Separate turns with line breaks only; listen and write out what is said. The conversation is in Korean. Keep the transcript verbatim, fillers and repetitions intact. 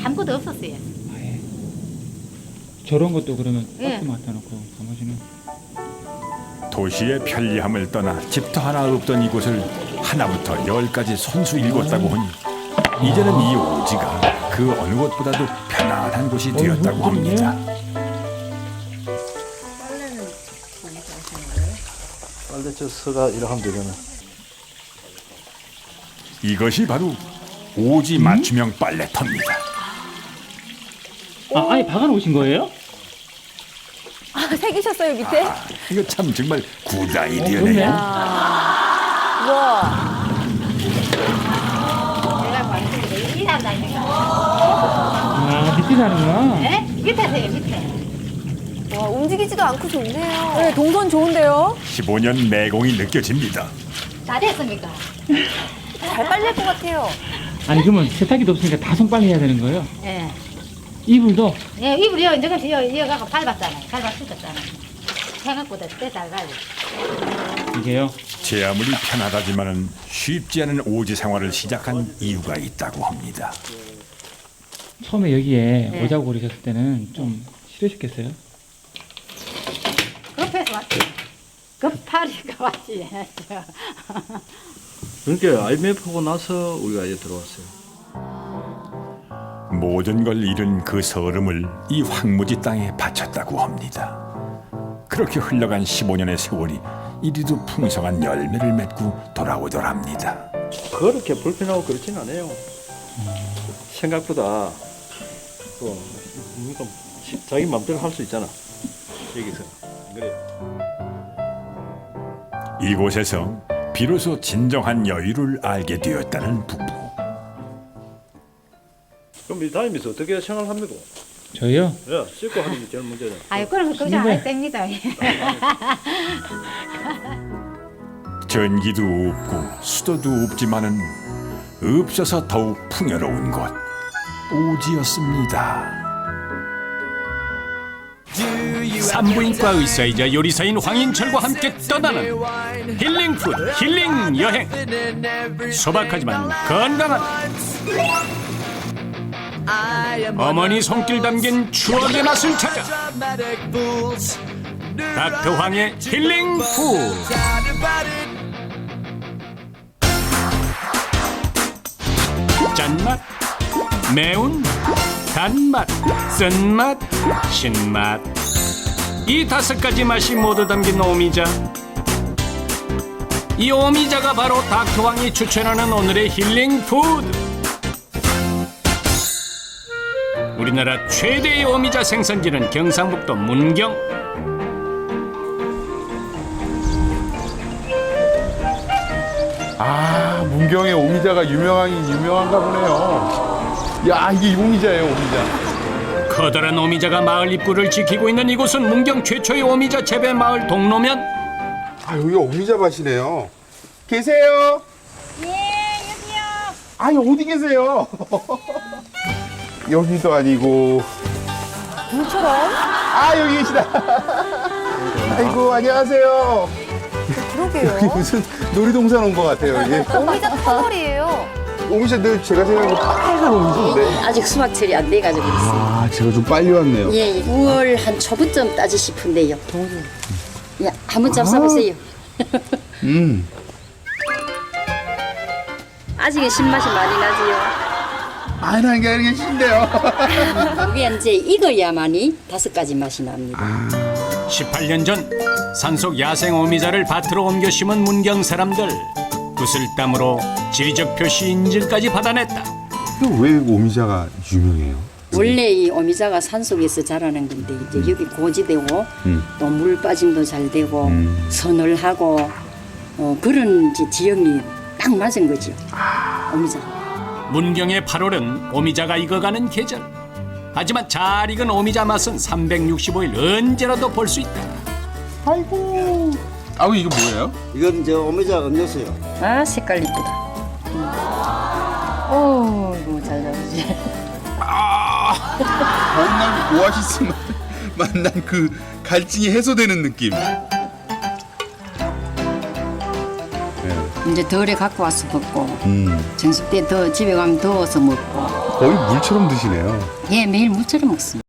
아무것도 없었어요.
아예. 저런 것도 그러면
예.
박스 맡아놓고 나머지는
도시의 편리함을 떠나 집터 하나 없던 이곳을 하나부터 열까지 손수 읽었다고 하니 이제는 이 오지가 그 어느 곳보다도 편안한 곳이 되었다고 합니다.
빨래 저 서가 이렇게 하면 되잖아.
이것이 바로 오지 맞춤형 빨래터입니다.
아, 아예 박아놓으신 거예요?
아, 새기셨어요 밑에?
아, 이거 참 정말 굿
어, 좋네.
아이디어네요.
우와.
내가 봤을 때 일한다니까.
아, 밑에 사는구나.
예? 밑에 세요 밑에.
와, 움직이지도 않고 좋네요. 네, 동선 좋은데요?
십오 년 내공이 느껴집니다.
다 됐습니까?
잘 빨릴 것 같아요.
아니 그러면 세탁기도 없으니까 다 손빨래 해야 되는 거예요?
예.
이불도?
예, 이불 이어 이제 이어 이어가고 밟았잖아요. 밟아 쓰셨잖아요. 생각보다 때잘 가요.
이게요?
제 아무리 편하다지만은 쉽지 않은 오지 생활을 시작한 이유가 있다고 합니다.
처음에 여기에
네.
오자고 그러셨을 때는 좀 싫으셨겠어요?
급해서 왔지. 급하니까 왔지.
그러니까 아이엠에프 하고 나서 우리가 이제 들어왔어요.
모든 걸 잃은 그 서름을 이 황무지 땅에 바쳤다고 합니다. 그렇게 흘러간 십오 년의 세월이 이리도 풍성한 열매를 맺고 돌아오더랍니다.
그렇게 불편하고 그렇진 않아요. 생각보다 또 그러니까 자기 마음대로 할 수 있잖아. 여기서. 그래.
이곳에서 비로소 진정한 여유를 알게 되었다는 부부.
그럼 이 다니면서 어떻게 생활합니까?
저희요?
야, 씻고 하는 게 제일 문제잖아.
아유, 그럼 그거 안 해도 됩니다.
전기도 없고 수도도 없지만은 없어서 더욱 풍요로운 곳 오지였습니다.
산부인과 의사이자 요리사인 황인철과 함께 떠나는 힐링푸드 힐링 여행. 소박하지만 건강한 어머니 손길 담긴 추억의 맛을 찾아 닥터황의 힐링푸드. 짠맛, 매운, 단맛, 쓴맛, 신맛, 이 다섯 가지 맛이 모두 담긴 오미자. 이 오미자가 바로 닥터왕이 추천하는 오늘의 힐링 푸드. 우리나라 최대의 오미자 생산지는 경상북도 문경.
아, 문경의 오미자가 유명하긴 유명한가 보네요. 야, 이게 오미자예요, 오미자.
커다란 오미자가 마을 입구를 지키고 있는 이곳은 문경 최초의 오미자 재배 마을 동로면.
아, 여기 오미자 밭이네요. 계세요?
예, 여기요.
아니, 어디 계세요? 여기도 아니고.
물처럼?
아, 여기 계시다. 아이고, 안녕하세요. 여기
그러게요.
무슨 놀이동산 온 것 같아요, 이게.
오미자 터널이에요.
오미자 늘 제가 생각하는 빨간 오미자인데.
아직 수확철이 안 돼가지고 있어요.
아, 제가 좀 빨리 왔네요.
예, 예. 구월 한 초부점 따지 싶은데요. 예, 한번 잡숴보세요.
음.
아직은 신맛이 많이 나지요.
아, 나는 게 아니게 신데요.
이게 이제 익어야만이 다섯 가지 맛이 납니다.
십팔 년 전 산속 야생 오미자를 밭으로 옮겨 심은 문경 사람들. 구슬땀으로 지리적 표시 인증까지 받아냈다.
왜 오미자가 유명해요?
원래 이 오미자가 산속에서 자라는 건데 이제 여기 고지되고
음.
또 물 빠짐도 잘 되고
음.
서늘하고 어, 그런 이제 지형이 딱 맞은 거죠. 오미자.
문경의 팔월은 오미자가 익어가는 계절. 하지만 잘 익은 오미자 맛은 삼백육십오 일 언제라도 볼 수 있다.
아이고. 아우, 이거 뭐예요?
이건 저 오미자 음료수요.
아, 색깔 이쁘다. 오, 이거 잘 나오지.
봄날 오아시스 만난 그 갈증이 해소되는 느낌.
이제 덜에 갖고 와서 먹고
음.
정식 때 더 집에 가면 더워서 먹고
거의 물처럼 드시네요.
예, 매일 무처럼 먹습니다.